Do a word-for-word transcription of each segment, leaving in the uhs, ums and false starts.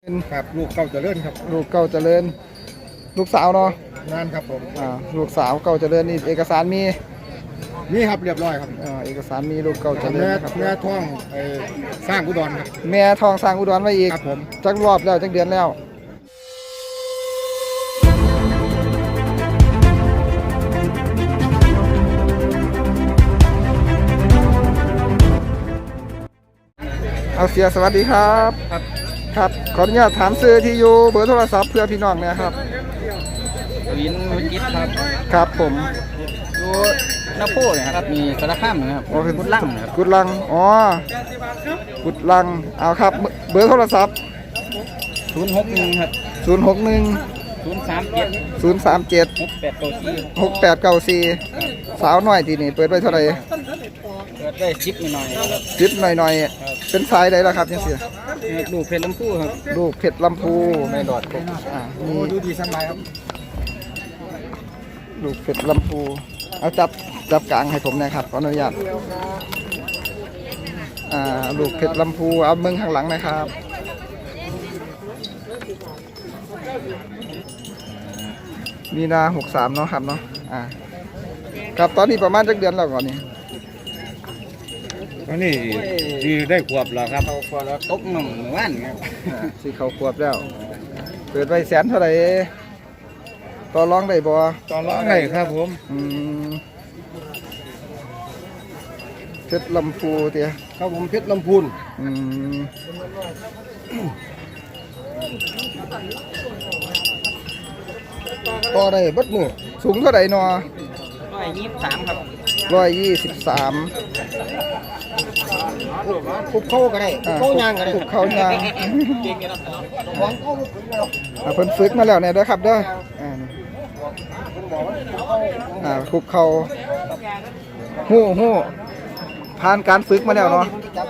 ครับลูกเก่าเจริญครับลูกเก่าเจริญลูกสาวเนาะงานครับผมอ่าลูกสาวเก่าเจริญนี่เอกสารมีนี่ครับเรียบร้อยครับอ่าเอกสารมีลูกเก่าเจริญครับแม่ท้องไอ้สร้างอุดรครับแม่ทองสร้างอุดรไว้อีกครับผมจักรอบแล้วจักเดือนแล้วเอาเสียสวัสดีครับครับครับขออนุญาตถามซื้อที่อยู่เบอร์โทรศัพท์เพื่อพี่น้องเนี่ยครับวินวิจิตครับครับผมดูนาโพเนี่ยครับมีสารคามนะครับกุดลังนะครับกุดลังอ๋อกุดลังเอาครับเบอร์โทรศัพท์ศูนย์หกหนึ่งครับศูนย์หกหนึ่งศูนย์สามเจ็ดศูนย์สามเจ็ดหกแปดเก้าสี่หกแปดเก้าสี่สาวน้อยทีนี่เปิดไว้เท่าไหร่เปิดได้ชิปหน่อยครับชิปหน่อยๆเป็นสายใดล่ะครับยังเสียลูกเพชรลำพูครับลูกเพชรลำพูไม่หลอดครับอ่ามีดูดีสบายครับลูกเพชรลำพูเอาจับจับกลางให้ผมนะครับขออนุญาตอ่าลูกเพชรลำพูเอาเมืองข้างหลังนะครับมีนาหกสามเนาะครับเนาะอ่าครับตอนนี้ประมาณจักเดือนแล้วก่อนนี่ตอนนี้ดีได้ขวบแล้วครับเขาขวบแล้วตกหนุ่มหมู่บ้านครับสี่เขาขวบแล้วเปิดไว้แสนเท่าไหร่ต่อรองได้บ่ต่อรองได้ครับผมอืมเพชรลำพูเตี้ยครับผมเพชรลำพูนอืมต่อได้บัดมือสูงเท่าไหร่นอร้อยยี่สิบสามครับร้อยยี่สิบสามคุกเข้าก็ได้คุกเข้ายางก็ได้คุกเข้ายางหวังเข้าฝึกแล้วเพิ่นฝึกมาแล้วเนี่ยเด้อครับเด้ออ่าอ่าคุกเข้าฮู้ฮู้ผ่านการฝึกมาแล้วเนาะ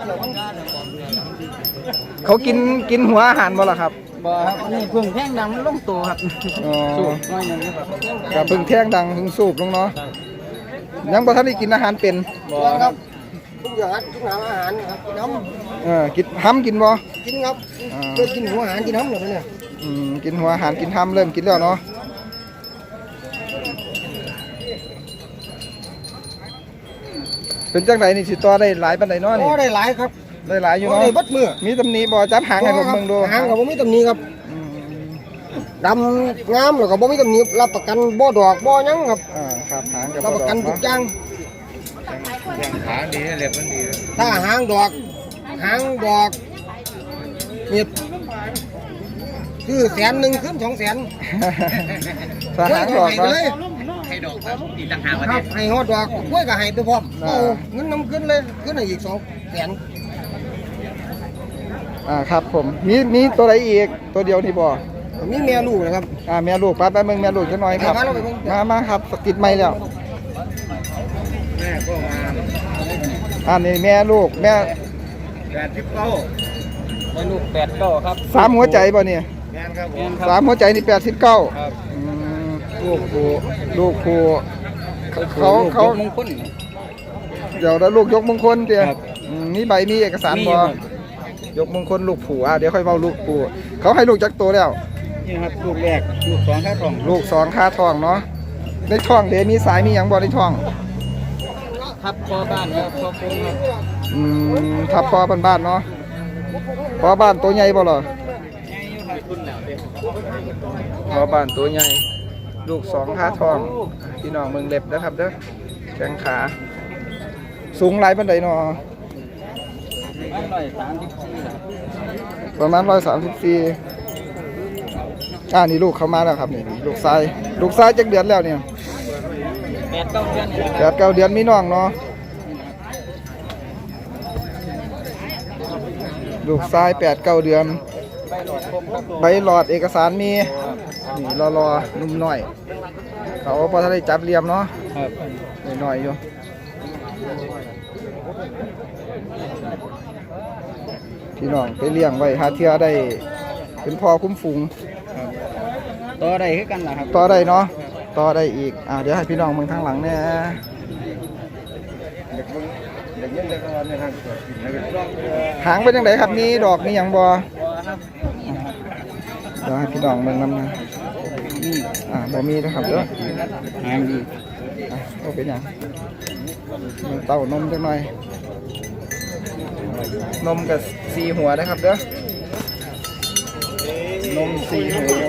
เขากินกินหัวอาหารบ่ล่ะครับบ่ครับนี่พึ่งแท่งดังลงตัวครับอ๋อสูบน้อยนึงครับกับพึ่งแท่งดังพึ่งสูบลงเนาะยังบ่ทันได้กินอาหารเป็นบ่ครับทุกอย่างทุกอาหารครับกินน้ำเออกินห้ำกินบ่กินครับเริ่มกินหัวอาหารกินน้ำเลยเนี่ยอืมกินหัวอาหารกินห้ำเริ่มกินแล้วเนาะเป็นจังไดนี่สิต่อได้หลายปานใดเนาะนี่ต่อได้หลายครับได้หลายอยู่เนาะได้บัดมือมีตำหนิบ่จับหางให้ผมเบิ่งดูหางก็บ่มีตำหนิครับดำงามแล้วก็บ่มีตำหนิรับประกันบ่ดอกบ่หยังครับอ่าครับหางก็รับประกันทุกอย่างหางดีเล็บมันดีถ้าหางดอกหางดอกนี่คือแสนหนึ่งขึ้นสองแสนถ้าหางดอกเลยให้ดอกครับอีกต่างหากครับให้ฮอดดอกกล้วยก็ให้ไปพร้อมเอาเงินน้ำขึ้นเลยขึ้นอีกสองแสนอ่าครับผมมีมีตัวไหนอีกตัวเดียวนี่บ่มีแม่ลูกนะครับอ่าแม่ลูกป้าแป๊บนึงแม่ลูกจะน้อยครับมามาครับสกิดไม่แล้วแม่ก็มาอ่านี่แม่ลูกแม่แปดสิบเก้าแม่ลูกแปดเก้าครับสามหัวใจบ่เนี่ยแม่ครับสามหัวใจนี่แปดสิบเก้าครับลูกผู้ลูกผู้เขาเขามงคลเดี๋ยวแล้วลูกยกมงคลเดี๋ยวมีใบมีเอกสารบ่ยกมงคลลูกผู้อ่ะเดี๋ยวค่อยเว้าลูกผู้เขาให้ลูกจักตัวแล้วนี่ครับลูกแรกลูกสองค่าทองลูกสองค่าทองเนาะในท้องเดี๋ยวมีสายมีหยังบ่ในท้องทับคอบ้านครับคอโค้งครับอืมทับคอบ้านๆเนาะคอบ้านตัวใหญ่บ่เหรอคอบ้านตัวใหญ่ลูกสองค่าทองพี่น้องเมืองเล็บนะครับเด้อแข้งขาสูงหลายปานใดเนาะประมาณร้อยสามสิบสี่อ่านี่ลูกเข้ามาแล้วครับนี่ลูกชายลูกชายจักเดือนแล้วเนี่ยแปดเก้าเดือนแปดเก้าเดือนมีน้องเนาะลูกชายแปดเก้าเดือนใบหลอดเอกสารมีนี่รอรอนุ่มหน่อยเขาพอถ้าได้จับเรียมเนาะหน่อยๆอยู่พี่น้องไปเลี้ยงไว้หาเทียได้เป็นพอคุ้มฝูงต่อได้คือกันล่ะครับต่อได้เนาะต่อได้อีกอ่าเดี๋ยวให้พี่น้องมึงทางหลังเนี่ยหางเป็นยังไงครับมีดอกมีอย่างบ่เดี๋ยวให้พี่น้องเบิ่งนำนะอ่าบ่มีนะครับเด้อหางดีอ่ะก็เป็นหยังมันเต้านมจังหน่อยนมกับสีหัวนะครับเด้อนมสีหัว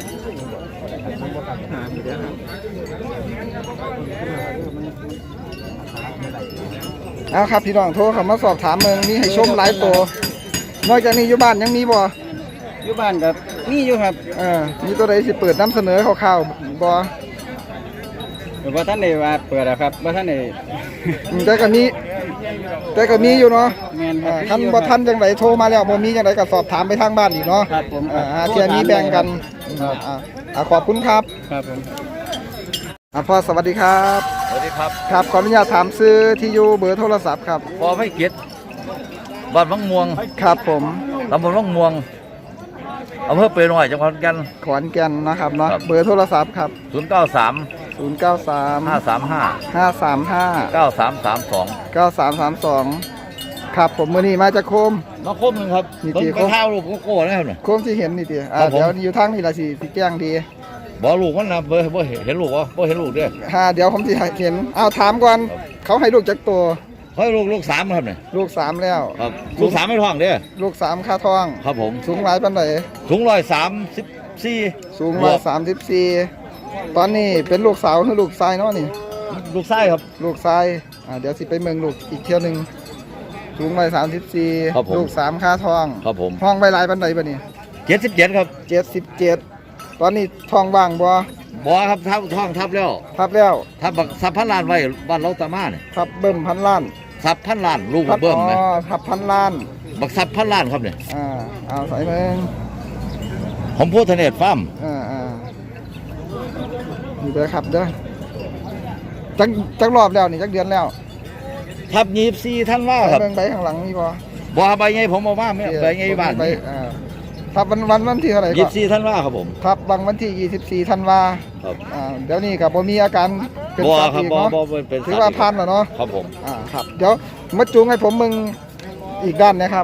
เอาครับพี่น้องโทรเข้ามาสอบถามเมืองมีให้ชมหลายตัวนอกจากนี้อยู่บ้านยังมีบ่อยู่บ้านกับมีอยู่ครับเออมีตัวใดสิเปิดนำเสนอคร่าวๆบ่แต่ว่าท่านได้ว่าเปิดอะครับว่าท่านได้อืมแต่ก็มีแต่ก็มีอยู่เนาะแม่นคอ่ารับคันบ่ทันจังไดโทรมาแล้วบ่มีจังไดก็สอบถามไปทางบ้านอีกเนาะครับผมอ่าหาเที่ยมีแบ่งกันครับอ่าอ่าขอบคุณครับครับผมอ่าพ่อสวัสดีครับสวัสดีครับครับขออนุญาตถามซื้อที่อยู่เบอร์โทรศัพท์ครับพอไม่เกียรติบ้านวังม่วงครับผมตำบลวังม่วงอำเภอเปรย์หน่อยจังหวัดขอนแก่นขอนแก่นนะครับเนาะครับเบอร์โทรศัพท์ครับศูนย์เก้าสามศูนย์ เก้า สามห้าสามห้าห้า สาม ห้าเก้าสามสามสองเก้า สาม สาม สองครับผมมื้อนี้มาจากโคมมาคมหนึ่งครับนี่ผมกี่กคระมเท้าลูกโก้นะครับเนี่ยโคมที่เห็นนี่ติอ่าครับผมเดี๋ยวอยู่ทางนี่ล่ะสิสิแจ้งดีบอกลูกมันนะเบอร์บ่เห็นลูกวะบ่เห็นลูกเด้ออ่าเดี๋ยวผมสิเห็นเอาถามก่อนเขาให้ลูกจักตัวเฮ้ยลูกลูกสามครับเนี่ยลูกสามแล้วครับลูกสามไม่ท้องเด้อลูกสามค่าทองครับผมสูงหลายปานใดสูงร้อยสามสิบสี่สูงร้อยสามสิบสี่ตอนนี้เป็นลูกสาวหรือลูกชายเนาะนี่ลูกไส้ครับลูกชายอ่าเดี๋ยวสิไปเมืองลูกอีกเที่ยวหนึงสูงร้อยสามสิบสี่ครับผมลูกสามค่าทองครับผมห้องใบลายปานใดบัดนี้เจ็ดสิบเจ็ดครับเจ็ดสิบเจ็ดตอนนี้ทองว่างบ่บอครับทับท้องทับแล้วทับแล้วทับบักสับพันล้านไว้บ้านเราตามาเนี่ยทับเบิ่มพันล้านสับพันล้านลูกทับเบิ่มอ๋ไหมอทับพันล้านบักสับพันล้านครับเนี่ยอ่าเอาใส่เมืองผมพูดทะเนศฟาร์มอ่าอ่านี่เด้อครับเด้อจักจักรอบแล้วนี่จักเดือนแล้วทับยีบซีท่านว่าใส่ครับเบิ่งใบข้างหลังนี่บ่บ่ใบไงผมเอามาไม่ใบไงบ้านใบนี่อ่าทับวันวันวันที่เท่าไหร่ยีก็บซีท่านว่าครับผมทับบางวันที่ยี่สิบสี่ธันวาครับอ่าเดี๋ยวนี้ก็บ่มีอาการเป็นบ่สัตว์ครับอีกบ่เนาะบ่บ่เป็นถือว่าผ่านแล้วเนาะครับผมอ่าครับเดี๋ยวมาจูงให้ผมมึงอีกด้านนะครับ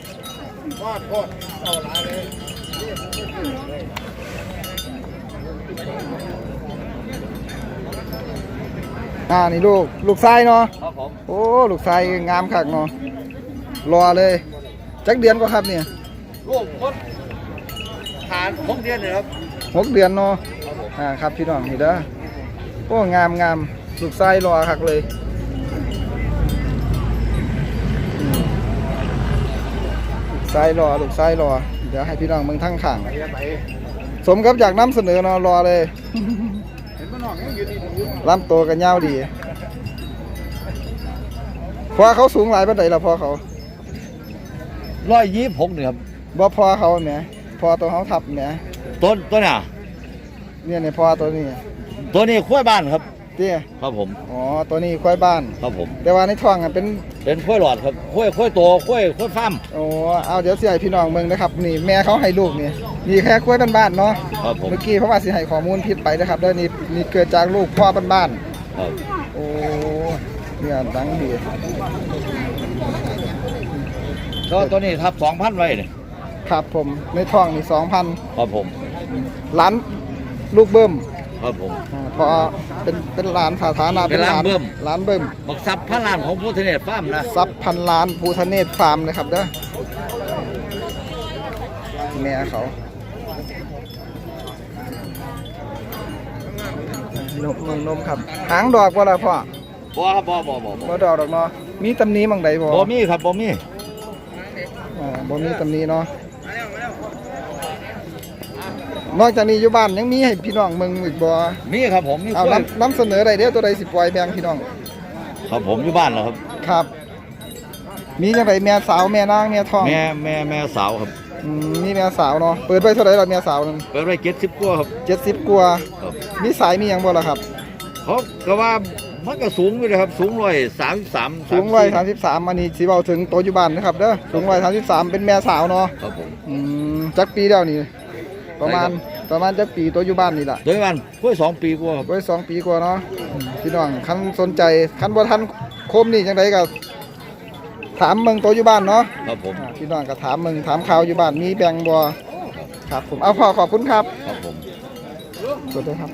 อ่านี่ลูกลูกชายเนาะครับผมโอ้ลูกชายงามคักเนาะรอเลยจักเดือนก็ครับเนี่ยลูกคนฐานผมเรียนเลยครับหกเดือนเนาะอ่าครับพี่น้องนี่เด้อโอ้งามงามลูกชายรอคักเลยอืมลูกชายรอลูกชายรอเดี๋ยวให้พี่น้องเมืองทั้งข้างสมกับอยากนำเสนอเนาะรอเลยลำตัวกันยาวดีพอเขาสูงหลายปานใดล่ะพอเขาร้อยยี่สิบหกนี่ครับบ่พอเขาแหมพอตัวเขาทับแหมต้นตัวน่ะเนี่ยเนี่ยพอตัวนี้ตัวนี้ขั้วบ้านครับเตี้ยครับผมอ๋อตัวนี้ควายบ้านครับผมแต่ว่าในท้องอ่ะเป็นเป็นขั้วหลอดครับขั้วขั้วโตขั้วขั้วฟาร์มโอ้เอาเดี๋ยวสิให้พี่น้องเบิ่งนะครับนี่แม่เขาให้ลูกนี่นี่แค่ควายบ้านๆเนาะครับผมเมื่อกี้เพราะว่าสิให้ข้อมูลผิดไปนะครับเด้อนี่นี่เกิดจากลูกพ่อบ้านครับๆโอ้เนี่ยดังดีก็ตัวนี้ทับสองพันไว้เนี่ยครับผมในท้องนี่สองพันครับผมล้านลูกเบิ่มครับผมอ่าพอเป็นเป็นหลานสาธารณะเป็นหลานเบิ่มหลานเบิ่มบักสับพันล้านของพูดทะเนศฟาร์มนะทรัพย์พันล้านภูทะเนศฟาร์มนะครับเด้อแม่เขานมนมนมครับหางดอกว่าละพ่อบ่ครับบ่บ่บ่บ่บ่ดอกดอกเนาะมีตำหนี้มังใดบ่บ่มีครับบ่มีอ่าบ่มีตำหนี้เนาะนอกจากนี้อยู่บ้านยังมีให้พี่น้องเมืองอีกบ่มีครับผมมีเอากล้วยนำนำเสนอได้เด้อตัวใดสิปล่อยแบ่งพี่น้องครับผมอยู่บ้านแล้วครับครับ มีจังไดแม่สาวแม่นางแม่ท้องแม่แม่แม่สาวครับอืมมีแม่สาวเนาะเปิดไว้เท่าไหร่ล่ะแม่สาวนึงเปิดไว้เจ็ดสิบกว่าครับเจ็ดสิบกว่าครับมีสายมีหยังบ่ล่ะครับเขาก็ว่ามันก็สูงอยู่เลยครับสูงร้อยสามสิบสามสูงร้อยสามสิบสามอันนี้สิเว้าถึงตัวอยู่บ้านนะครับเด้อสูงร้อยสามสิบสามเป็นแม่สาวเนาะครับผมอืมจักปีแล้วนี่ ประมาณประมาณจักปีตัวอยู่บ้านนี่ล่ะโดยวันกล้วยสองปีกว่าครับไว้สองปีกว่าเนาะพี่น้องคันสนใจคันบ่ทันโคมนี่จังไดก็ถามเมืองตัวอยู่บ้านเนาะครับผมอ่าพี่น้องก็ถามเมืองถามข่าวอยู่บ้านมีแบ่งบ่ครับผมเอาพอขอบคุณครับครับผมสวัสดีครับ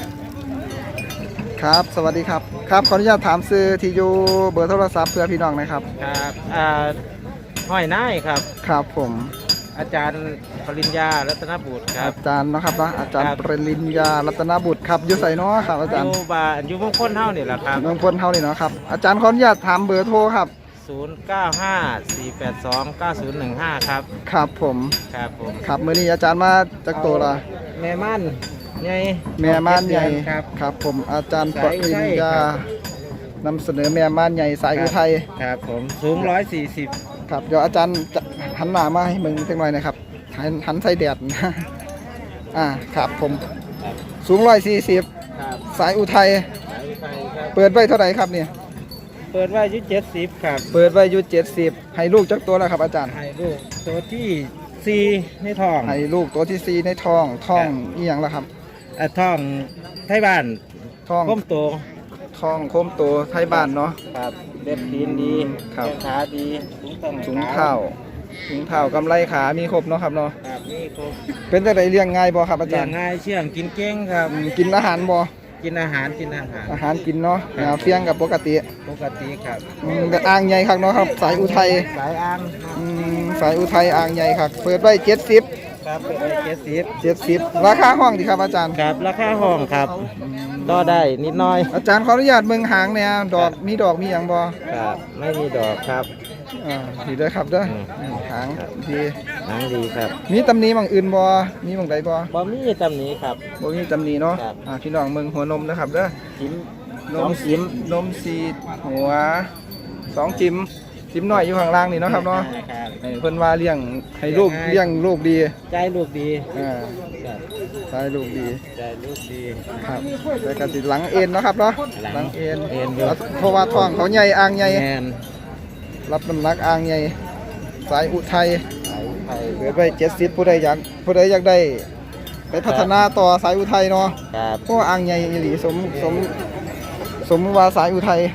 ครับสวัสดีครับครับขออนุญาตถามซื้อที่อยู่เบอร์โทรศัพท์เพื่อพี่น้องนะครับครับอ่าห้อยนายครับครับผมอาจารย์ปริญญารัตนบุตรครับอาจารย์เนาะครับเนาะอาจารย์ครับปริญญารัตนบุตรครับอยู่ไสเนาะครับอาจารอย์ยู่บ้านอยู่มงคลเท่านี่แหละครับเมืองพลเฮานี่เนาะครับอาจารย์ขออนุญาตถามเบอร์โทรครับศูนย์ เก้า ห้า สี่ แปด สอง เก้า ศูนย์ หนึ่ง ห้าครับครับผมครับผมครับมื้อนี้อาจารย์มาจากตัวละแม่ม่านใหญ่แม่ม่านใหญ่ครับครับผมอาจารย์ปสายอุริทัญยญาครับนำเสนอแม่ม่านใหญ่สายอุทัยครับผมสูงร้อยสี่สิบครับเดี๋ยวอาจารย์จะหันหน้ามาให้มึงสักหน่อยนะครับหันหันใส่แดดนะ อ่าครับผมสูงร้อยสี่สิบครับสายอุทัยสายอุทัยครับเปิดไว้เท่าไหร่ครับเนี่ยเปิดไว้อยู่เจ็ดสิบครับเปิดไว้อยู่เจ็ดสิบให้ลูกจักตัวแล้วครับอาจารย์ให้ลูกตัวที่สี่ในท้องให้ลูกตัวที่สี่ในท้องท้องครับอีหยังแล้วครับอ่ะท้องไทยบ้านท้องก้มโตท้องโคมโตไทยบ้านเนาะครับเล็บตีนดีครับแข้งขาดีถุงต้องถุงเท้าถุงเท้ากำไรขามีครบเนาะครับเนาะครับนี่ครบเป็นจังไดเลี้ยงง่ายบ่ครับอาเลี้จาย รง ย์ง่ายเชื่องกินเก่งครับอืมกินอาหารบ่กินอาหารกินอาหารอาหารกินเนาะแนวเฟียงกับปกติปกติครับอืมแต่อ่างใหญ่ครับเนาะครับสายอุทัยสายอ่างอืมสายอุทัยอ่างใหญ่ครับเปิดไว้เจ็ดสิบครับเป็นเจ็ดสิบเจ็ดสิบราคาห้องดีครับอาจารย์ครับราคาห้องครับต่อได้นิดหน้อยอาจารย์ขออนุญาตเมืองหางเนี่ยดอกมีดอกมีอย่างบ่ครับไม่มีดอกครับอ่าดีเด้อครับเด้ออืมอืมหางดีหนังดีครับมีตำหนิบางอื่นบ่มีบางใดบ่บะหมี่ตำหนี้ครับบ่มีตำหนิเนาะครับอ่าพี่น้องเมืองหัวนมนะครับเด้อจิ้มนสอมงจิ้มนมสีดหัวสองจิ้มจิ้มน้อยอยู่ข้างล่างนี่เนาะครับเนาะครับให้เพิ่นว่าเลี้ยงให้ลูกง่ายเลี้ยงลูกดีใจลูกดีอ่าครับใช่ลูกดีใจลูกดีครับแต่ก็สิหลังเอ็นเนาะครับเนาะหลังเอ็นเอ็นอยู่เพราะว่าท้องเขาใหญ่อ่างใหญ่แมนรับน้ำหนักอ่างใหญ่สายอุทัยสายไทยเกิดไว้เจ็ดสิบผู้ใดอยากผู้ใดอยากได้ ไปพัฒนาต่อสายอุทัยเนาะครับเพราะว่าอ่างใหญ่อีหลีสมสมสมว่าสายอุทัย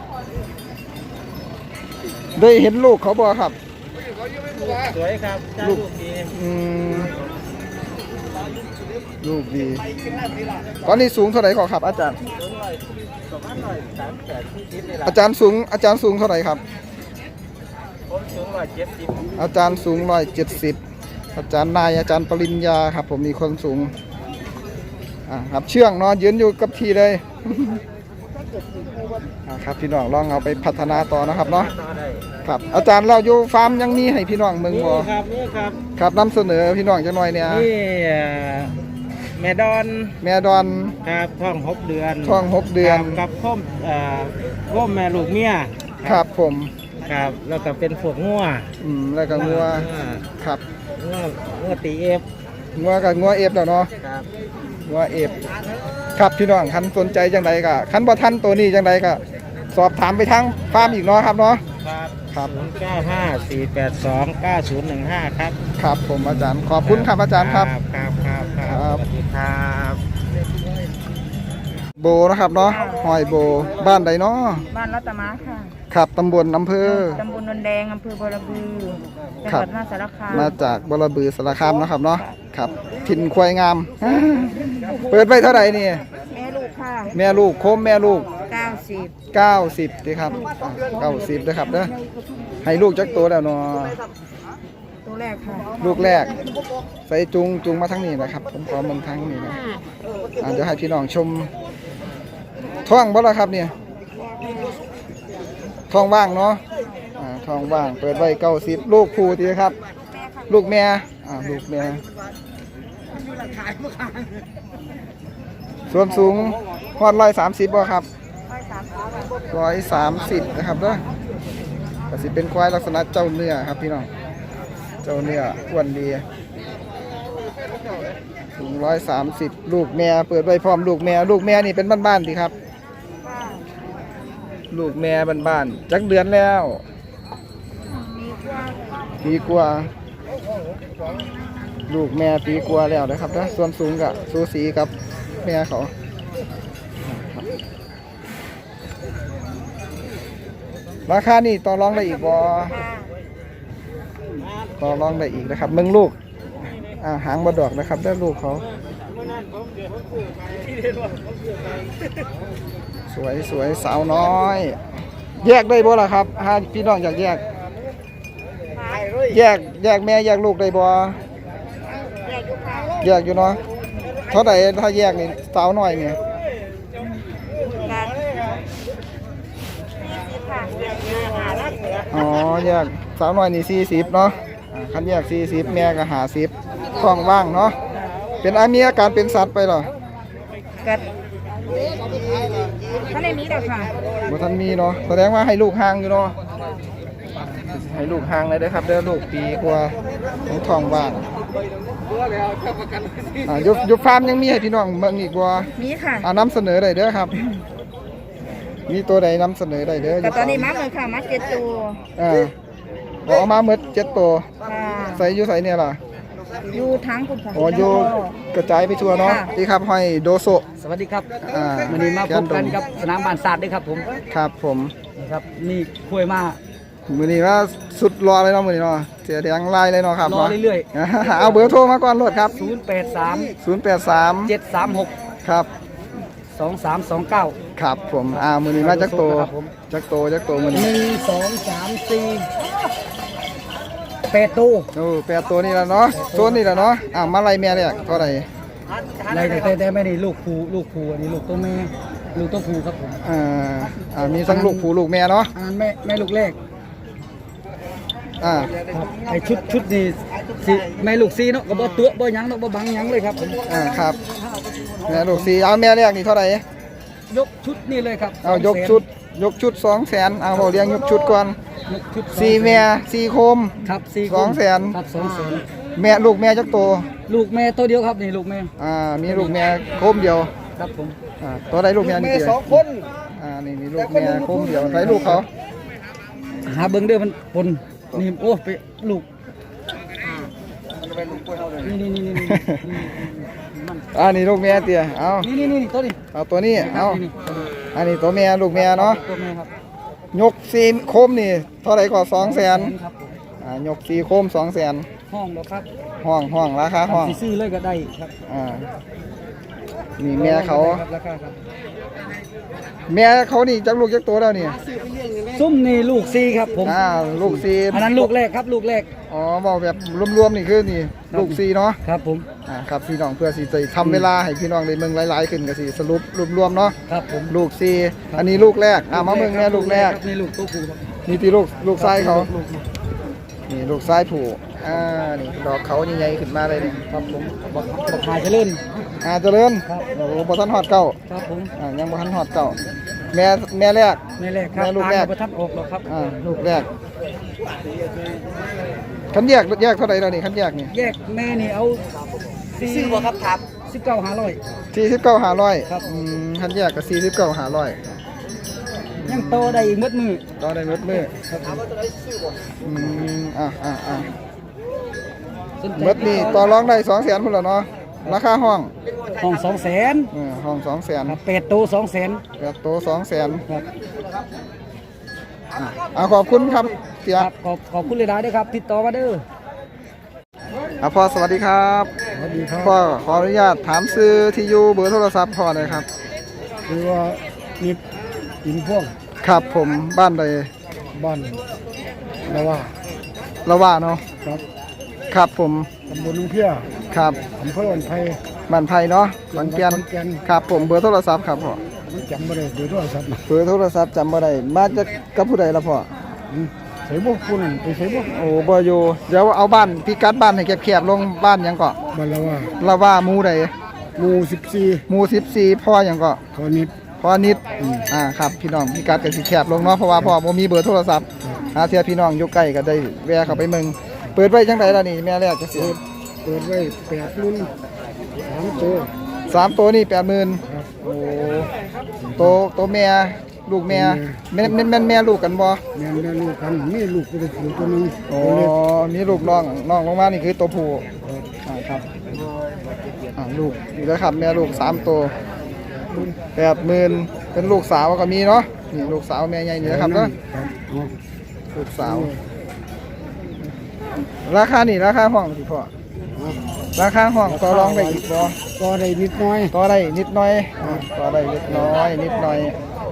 ได้เห็นลูกเขาบ่ครับสวยครับใจลูกดีอืมลูกดีตอนนี้สูงเท่าไหร่ขอครับ อาจารย์ประมาณร้อยสามแปดที่สิบนี่แหละอาจารย์สูงอาจารย์สูงเท่าไหร่ครับผมสูงร้อยเจ็ดสิบอาจารย์สูงร้อยเจ็ดสิบอาจารย์นายอาจารย์ปริญญาครับ ผมมีคนสูงอ่าครับเชื่องเนาะยืนอยู่กับที่เลย อ่าครับพี่น้องลองเอาไปพัฒนาต่อนะครับเนาะต่อได้ครับ อาจารย์เราอยู่ฟาร์มยังมีให้พี่น้องเมืองนี่บ่ครับนี่ครับครับนำเสนอพี่น้องจังหน่อยเนี่ยนี่เอ่อแม่ดอนแม่ดอนครับท้องหกเดือนท้องหกเดือนครับกับพ่อมเอ่อพ่อมแม่ลูกเมียครับผมครับแล้วก็เป็นพวกงัวอืมแล้วก็งัวครับงัวงัวตีเอฟงัวกับงัวเอฟแล้วเนาะครับงัวเอฟครับพี่น้องคันสนใจจังไดก็คันบ่ทันตัวนี้จังไดก็สอบถามไปทางฟาร์มอีกเนาะครับเนาะครับครับศูนย์เก้าห้าสี่แปดสองเก้าศูนย์หนึ่งห้าครับครับผมอาจารย์ขอบคุณครับอาจารย์ครับครับครับครัครับบสวัสดีครับโบนะครับเนาะหอยโบบ้านใดเนาะบ้านรัตมาค่ะครับตำบลอำเภอตำบลนนแดง อำเภอบรบือ จังครัหบวัดมหาสารคามมาจากบรบือสารคามเนาะครับเนาะครับถิ่นควายงาม เปิดไว้เท่าไหร่นี่แม่ลูกค่ะแม่ลูกโคมแม่ลูกเก้าสิบเก้าสิบดีครับเก้าสิบด้วยครับเด้อให้ลูกจักตัวแล้วเนาะตัวแรกค่ะลูกแรกใส่จุงจุงมาทั้งนี้นะครับ ผมขอเมืองทั้งนี้นะอ่าเดี๋ยวให้พี่น้องชมท้องบ่ล่ะครับเนี่ยท้องว่างเนาะอ่าท้องว่างเปิดไว้เก้าสิบลูกคู่ดีครับ ลูกแม่อ่าลูกแม่ส่วนสูงฮอดร้อยสามสิบบ่ครับร้อยสามสิบนะครับเด้อก็สิเป็นควายลักษณะเจ้าเนื้อครับพี่น้องเจ้าเนื้ออ้วนดีสูงร้อยสามสิบลูกแม่เปิดไว้พร้อมลูกแม่ลูกแม่นี่เป็นบ้านๆดีครับ ลูกแม่บ้านๆจักเดือนแล้วปีกว่าลูกแม่ปีกว่าแล้วนะครับนะส่วนสูงกับสูสีกับแม่เขาราคานี่ต่อรองได้อีกบ่ต่อรองได้อีกนะครับเมืองลูกอ่าหางบดดอกนะครับได้ลูกเขาสวยสวยสาวน้อย แยกได้บ่ล่ะครับถ้าพี่น้องอยากแยก แยกแยกแม่แยกลูกได้บ่แยกอยู่เนาะเท่าไหร่ถ้าแยกนี่สาวน้อยนี่การค่ะอ๋อแยกสาวน้อยนี่สี่สิบเนาะอ่าคันแยกสี่สิบแม่ก็ห้าสิบท้องว่างเนาะเป็นอามีอาการเป็นสัตว์ไปเหรอกัดถ้าในนี้เด้อค่ะบ่ทันมีเนาะแสดงว่าให้ลูกห่างอยู่เนาะให้ลูกห่างเลยเด้อครับเด้อลูกปีกว่าของท้องว่างอ่ายุบยุบฟาร์มยังมีให้พี่น้องเบิ่งอีกบ่มีค่ะอ่านำเสนอได้เด้อครับ มีตัวใดนำเสนอได้เด้อแต่ตอนนี้มาเลยค่ะมาเจ็ดตัวอ่าบอกเอามาหมดเจ็ดตัวค่ะใส่อยู่ใส่เนี่ยล่ะอยู่ทั้งคุณค่ะอ๋ออยู่กระจายไปทั่วเนาะค่ะนี่ครับห้อยโดโซสวัสดีครับอ่าวันนี้มาพบกันกับสนามบ้านศาสตร์ด้วยครับผมครับผมนะครับนี่คุยมามื้อนี้ว่าสุดรอเลยเนาะมื้อนี้เนาะเสียแดงลายเลยเนาะครับรอเรื่อยๆ เอาเบอร์โทรมาก่อนโลดครับๆศูนย์แปดสามศูนย์แปดสามเจ็ดสามหกครับสองสามสองเก้าครับผมอ่ามื้อนี้มาจักโตครับผมจักโตจักโตมื้อหนี้นึ่งสองสามสี่แปดตู้โอ้แปดตัวนี่ล่ะเนาะโซนนี่ล่ะเนาะอ่ามาไล่แม่เลยเท่าไหร่ในแต่แต่ไม่ได้ลูกภูลูกภูอันนี้ลูกตัวแม่ลูกตัวภูครับผมอ่าอ่ามีทั้งลูกผู้ลูกแม่เนาะอันนั้นแม่แม่ลูกแรกอ่าครับไอชุดชุดนี้สิแม่ลูกซีเนาะก็บ่ตัวบ่หยังเนาะบ่บังหยังเลยครับผมอ่าครับแม่ลูกสี่เอาแม่แรกนี่เท่าไหร่ยกชุดนี่เลยครับเอายกชุดยกชุดสองแสนเอาเราเลี้ยงยกชุดก่อนยกชุดสี่แม่สี่โคมครับสี่สองแสนครับสองแสนแม่ลูกแม่จักโตลูกแม่ตัวเดียวครับนี่ลูกแม่อ่ามีลูกแม่โคมเดียวครับผมอ่าตัวใดลูกแม่นี่เดียวอ่านี่มีลูกแม่โคมเดียวใส่ลูกเขาหาเบิ่งเด้อมันปนนี่โอ้ไปลูกนี่นี่นี่นี่นี่อ่านี่ลูกแม่เตี้ยเอานี่นี่นี่ตัวนี้เอาตัวนี้เอานี่อันนี้ตัวแม่ลูกแม่เนาะตัวแม่ครับยกสี่โคมนี่เท่าไหร่ก็สองแสนครับผมอ่ายกสี่โคมสองแสนห้องแล้วครับห้องห้องราคาห้องสิซื้อเลยก็ได้ครับอ่านี่แม่เขาครับราคาครับแม่เขานี่จักลูกจักตัวแล้วนี่ซุ่มนี่ลูกซีครับผมอ่าลูกสี่อันนั้นลูกแรกครับลูกแรกอ๋อบอกแบบรวมๆนี่คือนี่ลูกสี่เนาะครับผมอ่าครับพี่น้องเพื่อสิจะทำเวลาให้พี่น้องได้เมืองหลายๆขึ้นก็สิสรุปรวมๆเนาะครับผมลูกสี่อันนี้ลูกแรกอ่ามาเมืองแม่ลูกแรกนี่ลูกตัวผู้ครับนี่ที่ลูกลูกชายเขาลูกนี่ลูกชายผูอ่านี่ดอกเขาใหญ่ๆขึ้นมาเลยนี่ครับผมบอกบอกหายเจริญอ่าเจริญครับโอ้โหบ่ทันฮอดเก้าครับผมอ่ายังบ่ทันฮอดเก้าแม่แม่แรกแม่แรกครับแม่ลูกแรกประทับออกแล้วครับอ่าลูกแรกคันแยกแยกเท่าไหร่แล้วนี่คันแยกนี่แยกแม่นี่เอาซื้อบ่ครับครับสิบเก้าห้าร้อยสี่สิบเก้าห้าร้อยครับอืมคันแยกก็สี่สิบเก้าห้าร้อยยังโตได้อีกมืดมือต่อได้หมดมืออืมอ่ะอ่ะอ่ะสนใจหมดนี่ต่อรองได้สองแสนพุ่นแล้วเนาะราคาห้องห้องสองแสนเออห้องสองแสนครับแปดโตสองแสนแปดโตสองแสนครับอ่ะขอบคุณครับเสียครับขอบขอบคุณเลยได้ด้วยครับ ติดต่อมาเด้ออ่ะพ่อสวัสดีครับสวัสดีครับพ่อขออนุญาตถามซื้อที่อยู่เบอร์โทรศัพท์พ่อหน่อยครับคือว่านิดหินพ่วงครับผมบ้านใดบ้านละว่าละว่าเนาะครับครับผมตำบลนุ่งเพียครับอำเภออันไทยบ้านไผ่เนาะขอนแก่นขอนแก่นครับผมเบอร์โทรศัพท์ครับพ่อมันจำไม่ได้เดี๋ยวโทรศัพท์เบอร์โทรศัพท์จำบ่ได้มาจากกับผู้ใดล่ะพ่อใส่บุกคุณไปใส่บุกโอ้บ่อยู่เดี๋ยวเอาบ้านพิกัดบ้านให้แคบๆลงบ้านหยังเก็บ้านละว่าละว่าหมู่ใดหมู่สิบสี่หมู่สิบสี่พ่อหยังเก็ขอนิดพ่อนิดอ่าครับพี่น้องพิกัดก็สิแคบลงเนาะเพราะว่าพ่อบ่มีเบอร์โทรศัพท์หาเทื่อพี่น้องอยู่ใกล้ก็ได้แวะเข้าไปเมืองเปิดไว้จังไดล่ะนี่แม่แรกจังซี่เปิดไว้แปดรุ่นสามตัวสามตัวนี่แปดหมื่นครับโอ้โตโตแม่ลูกแม่แม่นแม่นแม่นแม่ลูกกันบ่แม่แม่ลูกกันมีลูกเป็นผู้ตัวหนึงอ๋อมีลูกน้องน้องลงมานี่คือตัวผู้อ่าครับอ่าลูกนี่แล้วครับแม่ลูกสามตัวแปดหมื่นเป็นลูกสาวก็มีเนาะนี่ลูกสาวแม่ใหญ่นี่นะครับเนาะครับอ๋อลูกสาว ราคานี่ราคาห้องสิพ่ออราคาห้องต่อรองได้อีกบ่ก็ได้นิดน้อยต่อได้นิดหน่อยอ่าต่อได้เล็กน้อยนิดหน่อย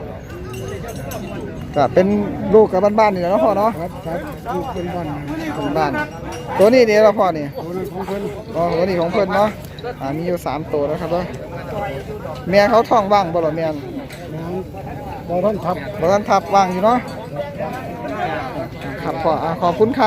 ก็เป็นลูกกับบ้านๆนี่แหละเนาะพ่อเนาะครับครับลูกเป็นบ้านเป็นบ้านตัวนี้เดี๋ยวเราพ่อนี่ตัวนั้นของเพิ่นอ๋อตัวนี้ของเพิ่นเนาะอ่ามีอยู่สามตัวแล้วครับเนาะแม่เขาท้องว่างบ่ล่ะแม่นน้องบ่ท่านทับบ่ทันทับว่างอยู่เนาะครับพ่ออ่าขอบคุณครับ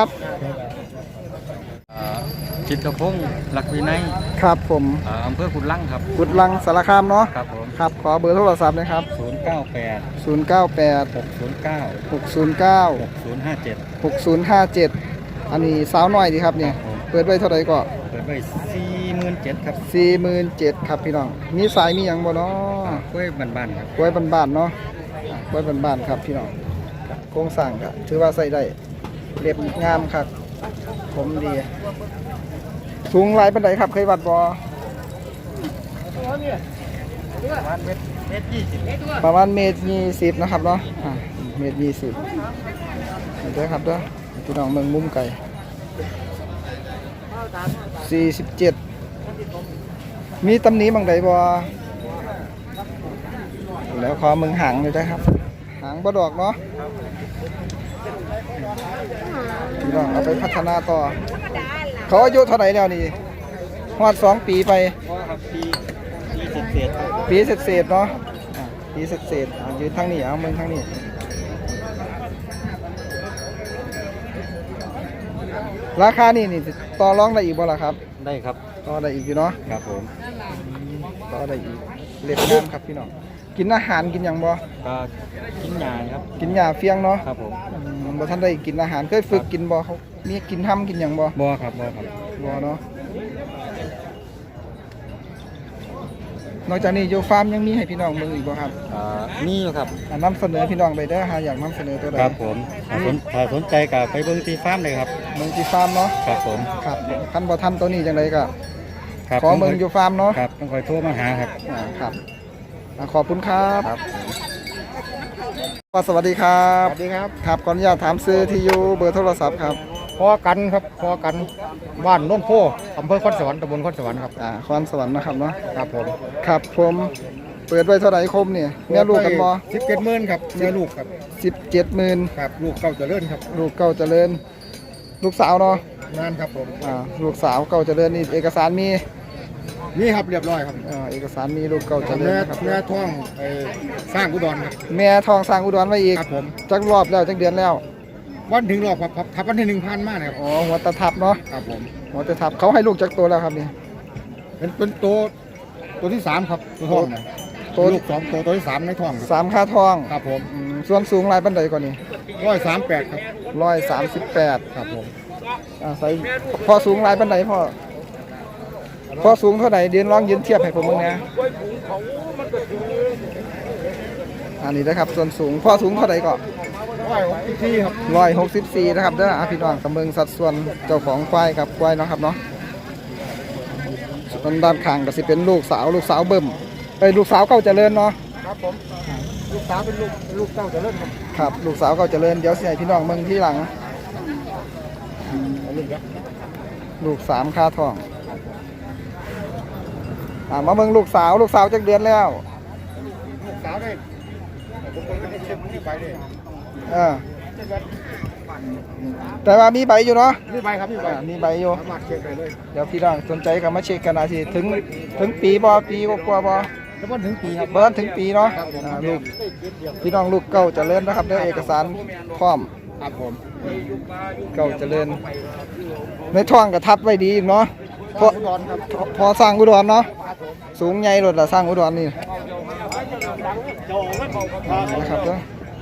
จิตรพงศ์หลักวินัยครับผมอ่าอำเภอขุนลังครับกุดลังสารคามเนาะครับผมครับขอเบอร์โทรศัพท์นะครับศูนย์เก้าแปดศูนย์ เก้า แปดหกศูนย์เก้าหก ศูนย์ เก้าหกศูนย์ห้าเจ็ดหก ศูนย์ ห้า เจ็ดอันนี้สาวน้อยดีครับเนี่ยเปิดไว้เท่าไหร่ก็เปิดไว้สี่หมื่นเจ็ดครับสี่หมื่นเจ็ดครับพี่น้องมีสายมีหยังบ่เนาะกล้วยบานๆครับกล้วยบ้านๆเนาะอ่ะกล้วยบ้านๆครับพี่น้องโครงสร้างก็ถือว่าใส่ได้เรียบงามครับผมดี สูงหลายปานใดครับเคยวัดบ่ ประมาณเมตรยี่สิบนะครับเนาะอ่ะเมตรยี่สิบเด้อครับเด้อพี่น้องเมืองมุมไก่สี่สิบเจ็ดมีตำหนิบางใดบ่แล้วขอเมืองหางเลยได้ครับ หางบ่ดอกเนาะพี่น้องเอาไปพัฒนาต่อ เขาอายุเท่าไหร่แล้วนี่ฮอดสองปีไป ปีเศษเศษๆเนาะอ่ะปีเศษเศษๆอ่ะยืนทางนี้เอามึงทางนี้ราคานี่นี่ต่อรองได้อีกบ่ล่ะครับได้ครับต่อได้อีกอยู่เนาะครับผมต่อได้อีกเล็บงามครับพี่น้องกินอาหารกินหยังบ่ก็กินยาครับกินหญ้าเฟียงเนาะครับผมอืมบ่ทันได้กินอาหารเคยฝึกกินบ่เขามีกินห้ำกินหยังบ่บ่ครับบ่ครับบ่เนาะนอกจากนี้อยู่ฟาร์มยังมีให้พี่น้องเบิ่งอีกบ่ครับอ่านี่อยู่ครับอ่ะนำเสนอพี่น้องไปเด้อหาอยากนำเสนอตัวใดครับผมถ้าสนถ้าสนใจก็ไปเบิ่งที่ฟาร์มเลยครับเมืองที่ฟาร์มเนาะครับผมครับคันบ่ทันตัวนี้จังไดก็ครับขอเมืองอยู่ฟาร์มเนาะครับต้องคอยโทรมาหาครับอ่าครับอ่าขอบคุณครับสวัสดีครับสวัสดีครับครับขออนุญาตถามซื้อที่อยู่เบอร์โทรศัพท์ครับพอกันครับพอกันบ้านโน้นโพอำเภอคอนสวรรค์ตำบลคอนสวรรค์ครับอ่าคอนสวรรค์นะครับเนาะครับผมครับผมเปิดไว้เท่าไหร่คมเนี่ยแม่ลูกกันบ่สิบเจ็ดหมื่นครับแม่ลูกครับสิบเจ็ดหมื่นครับลูกเก่าเจริญครับลูกเก่าเจริญ ลูกสาวเนาะงานครับผมอ่าลูกสาวเก่าเจริญนี่เอกสารมีนี่ครับเรียบร้อยครับอ่าเอกสารมีลูกเก่าเจริญแม่นะครับแม่ท้องไอ้สร้างอุดรครับแม่ทองสร้างอุดรไว้อีกครับผมจักรอบแล้วจักเดือนแล้ววันถึงรอบครับครับทับวันที่หนึ่งพันมากนะครับอ๋อหัวตะทับเนาะครับผมหัวตะทับเขาให้ลูกจักตัวแล้วครับนี่เป็นเป็นตัวตัวที่สามครับตัวท้องนะตัวลูกสองตัวตัวที่สามในท้องครับสามค่าทองครับผมอืมส่วนสูงหลายปันใดก่อนนี่ร้อยสามแปดครับร้อยสามสิบแปดครับผมอ่าใส่พอสูงหลายปันใดพ่อพอสูงเท่าไหร่เดียนลองยืนเทียบให้ผมมึงนะอันนี้นะครับส่วนสูงพอสูงเท่าไหร่ก็ร้อยหกสิบสี่ครับร้อยหกสิบสี่นะครับเด้ออ่ะพี่น้องกำเมืองสัดส่วนเจ้าของควายครับควายเนาะครับเนาะส่วนด้านข้างก็สิเป็นลูกสาวลูกสาวเบิ่มเอ้ยลูกสาวเก่าเจริญเนาะครับผมลูกสาวเป็นลูกเป็นลูกเต้าเจริญครับครับลูกสาวเก่าเจริญเดี๋ยวสิให้พี่น้องเมืองที่หลังเอาลูกครับลูกสามค่าทองอ่ามาเมืองลูกสาวลูกสาวจักเดือนแล้วลูกสาวได้ผมก็ไม่ได้เช็คที่ไปเลยเออแต่ว่ามีใบอยู่เนาะนี่ใบครับนี่ใบอ่ามีใบอยู่สามารถเช็คได้เลยเดี๋ยวพี่น้องสนใจก็มาเช็คกันอาทีถึงถึงปีบ่ปีกว่าๆบ่แล้วก็ถึงปีครับเบิร์นถึงปีเนาะครับผมอ่าลูกพี่น้องลูกเก่าเจริญนะครับเด้อเอกสารพร้อมครับผมเก่าเจริญในท้องก็ทับไว้ดีอีกเนาะพออุดรครับพอสร้างอุดรเนาะสูงใหญ่รถละสร้างอุดรนี่นะครับเด้อ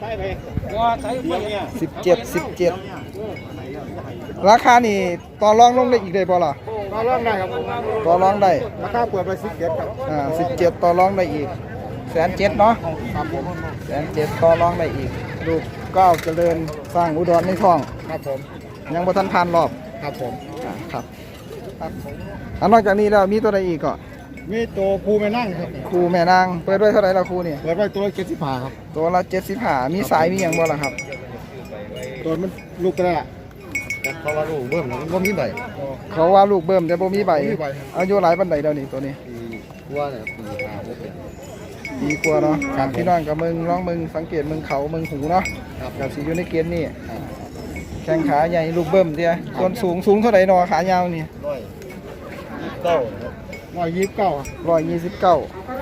สิบเจ็ดสิบเจ็ดราคานี่ต่อรองลงได้อีกได้บ่ล่ะก็เริ่มได้ครับผมต่อรองได้ราคาเปิดไปสิบเจ็ดครับอ่าสิบเจ็ดต่อรองได้อีกแสนเจ็ดเนาะครับผมแสนเจ็ดต่อรองได้อีกลูกเก้าเจริญสร้างอุดรในท้องครับผมยังบ่ทันผ่านรอบครับผมอ่าครับอันนอกจากนี้แล้วมีตัวใดอีกก็มีตัวภูไม่นั่งครับครูแม่นางเปิดไว้เท่าไหร่ละครูนี่เปิดไว้ตัวเจ็ดสิบห้าครับตัวละเจ็ดสิบห้ามีสายมีหยังบ่ล่ะครับตัวมันลูกกระเพราะว่าลูกเบิ่มมันบ่มีใบเขาว่าลูกเบิ่มแต่บ่มีใบบ่มีใบอายุหลายปานใดเดี๋ยวนี้ตัวนี้ปีกว่าเนี่ยปีห้าหกเนี่ยดีกว่าเนาะครับพี่น้องกับมึงร้องมึงสังเกตมึงเขามึงหูเนาะครับกับสีอยู่ในเกณฑ์นี่แข้งขาใหญ่ลูกเบิ่มเดียส่วนสูงสูงเท่าไหร่เนาะขายาวนี่ร้อยเก้าร้อยยี่สิบเก้าร้อยยี่สิบเก้า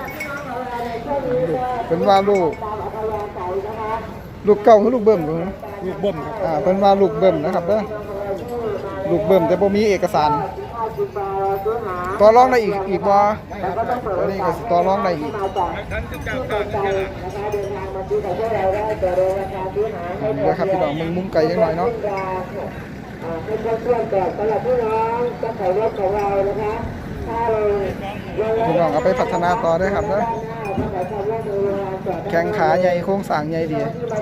เป็นว่าลูก ลูกเก่าคือลูกเบิ่มเหรอลูกเบิ่มครับอ่าเป็นว่าลูกเบิ่มนะครับเด้อลูกเบิ่มแต่บ่มีเอกสารต่อรองได้อีกอีกบ่ตัวนี้ก็สิต่อรองได้อีกนะครับพี่น้องมึงมุมไก่ยังหน่อยเนาะพี่น้องเอาไปพัฒนาต่อได้ครับเด้อแข้งขาใหญ่โครงสร้างใหญ่ดี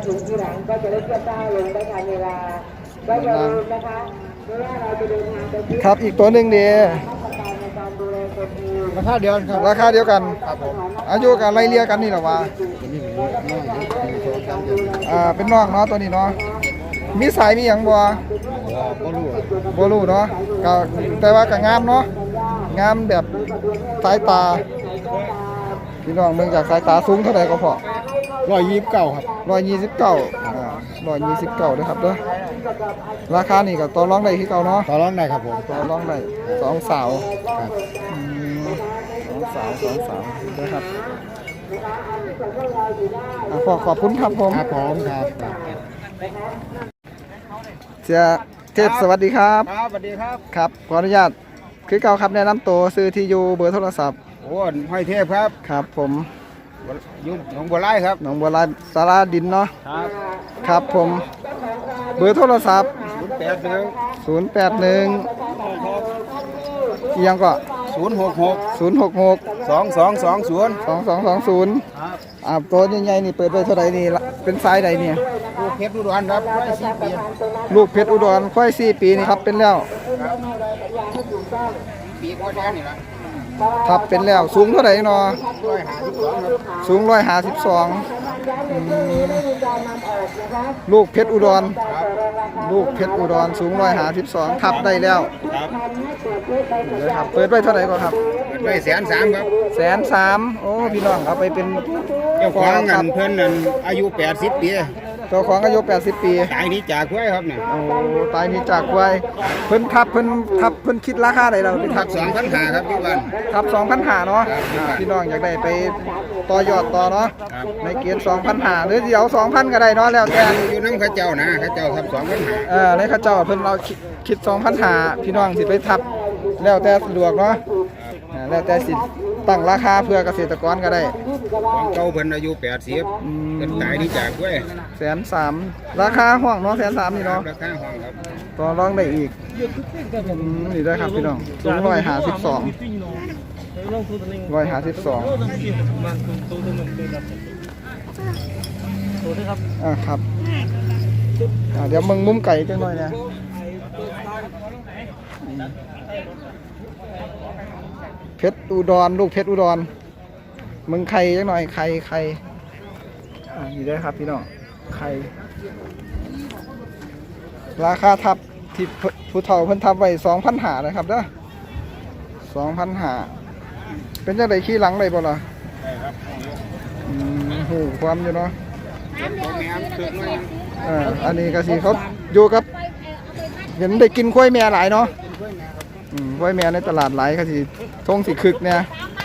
ครับอีกตัวหนึ่งดีราคาเดียวกันครับราคาเดียวกันครับผมอายุกันไล่เลี่ยกันนี่หรอวะตัวนี้เป็นน้อยเยอะมีโชว์กันเยอะอ่าเป็นน้องเนาะตัวนี้เนาะมีสายมีหยังบ่บ่รู้อะบ่รู้เนาะก็แต่ว่าก็งามเนาะงามแบบสายตาพี่น้องเมืองจากสายตาสูงเท่าไหร่ก็พอร้อยยี่สิบเก้าครับร้อยยี่สิบเก้าอ่าร้อยยี่สิบเก้าด้วยครับเด้อราคานี่ก็ต่อรองได้คือเก่าเนาะต่อรองได้ครับผมต่อรองได้สองสาวครับอืมสองสาวสองสาวด้วยครับอ่ะขอขอบคุณครับผมครับผมครับเสียเทพสวัสดีครับครับสวัสดีครับครับขออนุญาตคือเก่าครับแนะนำตัวซื้อที่อยู่เบอร์โทรศัพท์โอ้ห้อยเทพครับครับผมยุ่หนองบัวไร่ครับหนองบัวลายสาราดินเนาะครับครับผมเบอร์โทรศัพท์ศูนย์แปดหนึ่งศูนย์แปดหนึ่งอีกยังก็ศูนย์หกหกศูนย์หกหกสองสองสองศูนย์สองสองสองศูนย์ครับอ่าตัวใหญ่ๆนี่เปิดไปเท่าไหร่นี่ละเป็นไซส์ใดเนี่ยลูกเพชรอุดรครับร้อยสี่ปีลูกเพชรอุดรค่อยสี่ปีนี่ครับเป็นแล้วปีกว่าแดงนี่ละทับเป็นแล้วสูงเท่าไหร่เนาะร้อยห้าสิบสองครับสูงร้อยห้าสิบสองลูกเพชรอุดร ลูกเพชรอุดรสูงร้อยห้าสิบสองทับได้แล้วครับเดี๋ยวครับเปิดไว้เท่าไหร่ก็ครับไปแสนสามครับแสนสามโอ้พี่น้องเอาไปเป็นเจ้าของเงินเพิ่นนั่นอายุแปดสิบปีเจ้าของอายุแปดสิบปีตายนี้จากไว้ครับเนี่ยโอ้ตายนี่จากไว้เพิ่นทับเพิ่นทับเพิ่นคิดราคาใดเราไปทัทับกสองพันหาครับพี่วันทับสองพันหาเนาะครับอ่าพี่น้องอยากได้ไปต่อยอดต่อเนาะครับในเกียร์สองพันหาหรือเดี๋ยวสองพันก็ได้เนาะแล้วแต่อยู่น้ำข้าเจ้านะข้าเจ้าทับสองพันหาเออในข้าเจ้าเพิ่นเราคิดคิดสองพันหาพี่น้องสิไปทับแล้วแต่สะดวกเนาะอ่าแล้วแต่สิตั้งราคาเพื่อเกษตรกรก็ได้ของเก่าเพิ่นอายุแปดสิบอืมเพิ่นตายนี้จากไว้แสนสามราคาห้องเนาะแสนสามนี่ครัเนาะบราคาห้องครับต่อรองได้อีกอืมนี่ได้ครับพี่น้องสูงร้อยหาสิบสองร้อยหาสิบสองอ่าครับอ่าเดี๋ยวมึงมุมไก่จังหน่อยนะเพชรอุดรลูกเพชรอุดรมึงไข่จังหน่อยไข่ไข่อ่านี่ได้ครับพี่น้องไข่ราคาทับที่ผู้เฒ่าเพิ่นทับไว้สองพันหานะครับเด้อสองพันหาเป็นจังไดขี้หลังได้บ่ล่ะอืมหูความอยู่เนาะเอ่าอันนี้ก็สิเขาอยู่กับเห็นได้กินกล้วยแม่หลายเนาะอืมกล้วยแม่ในตลาดหลายก็สิทงสิคึกเนี่ย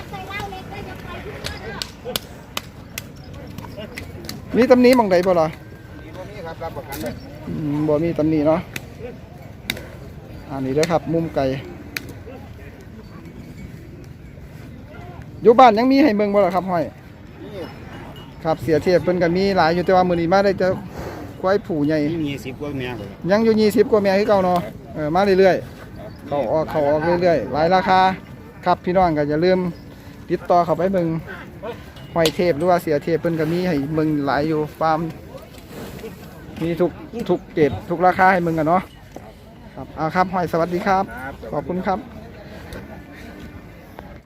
มีตำหนี้มองใดบ่ล่ะนี่ครับรับประกันเลยอืมบ่มีตำหนิเนาะอันนี้เด้อครับ มุมไก่อยู่บ้านยังมีให้เบิ่งบ่ล่ะครับห้อย ครับเสียเทียบเพิ่นก็มีหลายอยู่แต่ว่ามื้อนี้มาได้จะควายผูใหญ่นี่มีสิบกว่าแม่เลยยังอยู่ยี่สิบกว่าแม่คือเก่าเนาะเออมาเรื่อยๆเข้าออกเข้าออกเรื่อยๆหลายราคาครับพี่น้องก็อย่าลืมติดต่อเข้าไปเบิ่งห้อยเทพหรือว่าเสียเทพเพิ่นก็มีให้เบิ่งหลายอยู่ฟาร์มมีทุกทุกเกรดทุกราคาให้เบิ่งกันเนาะครับเอาครับห้อยสวัสดีครับ ขอบคุณครับ